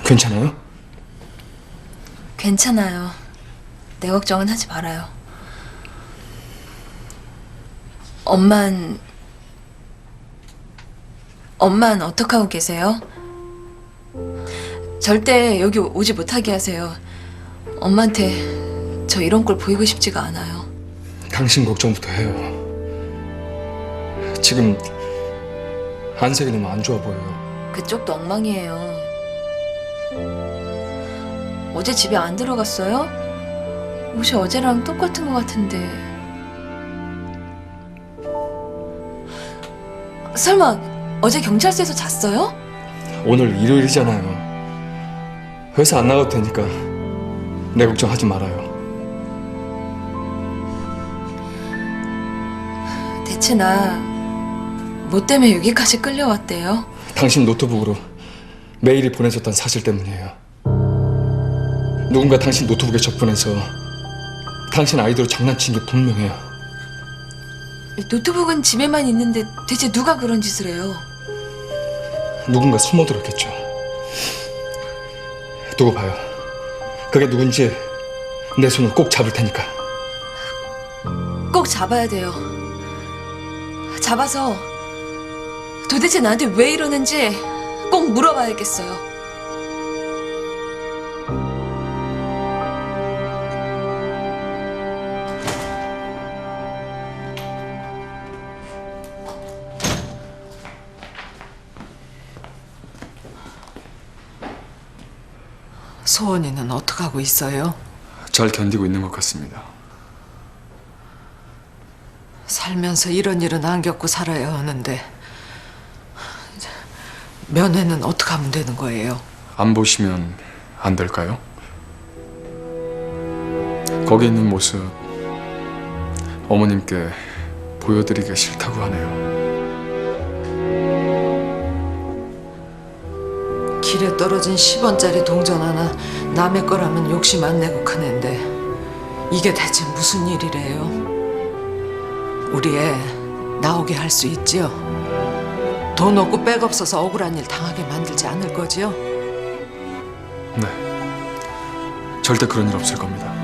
괜찮아요? 괜찮아요. 내 걱정은 하지 말아요. 엄만 어떻게 하고 계세요? 절대 여기 오지 못하게 하세요. 엄마한테 저 이런 꼴 보이고 싶지가 않아요. 당신 걱정부터 해요. 지금 안색이 너무 안 좋아 보여요. 그쪽도 엉망이에요. 어제 집에 안 들어갔어요? 옷이 어제랑 똑같은 것 같은데. 설마 어제 경찰서에서 잤어요? 오늘 일요일이잖아요. 회사 안 나가도 되니까 내 걱정하지 말아요. 대체 나 뭐 때문에 여기까지 끌려왔대요? 당신 노트북으로 메일이 보내졌다는 사실 때문이에요. 누군가 당신 노트북에 접근해서 당신 아이디로 장난친 게 분명해요. 노트북은 집에만 있는데 대체 누가 그런 짓을 해요? 누군가 숨어들었겠죠. 두고 봐요. 그게 누군지 내 손을 꼭 잡을 테니까. 꼭 잡아야 돼요. 잡아서 도대체 나한테 왜 이러는지 꼭 물어봐야겠어요. 소원이는 어떻게 하고 있어요? 잘 견디고 있는 것 같습니다. 살면서 이런 일은 안 겪고 살아야 하는데 면회는 어떻게 하면 되는 거예요? 안 보시면 안 될까요? 거기 있는 모습 어머님께 보여드리기가 싫다고 하네요. 길에 떨어진 10원짜리 동전 하나 남의 거라면 욕심 안 내고 크는데 이게 대체 무슨 일이래요? 우리 애 나오게 할 수 있지요? 돈 없고 백 없어서 억울한 일 당하게 만들지 않을 거지요? 네, 절대 그런 일 없을 겁니다.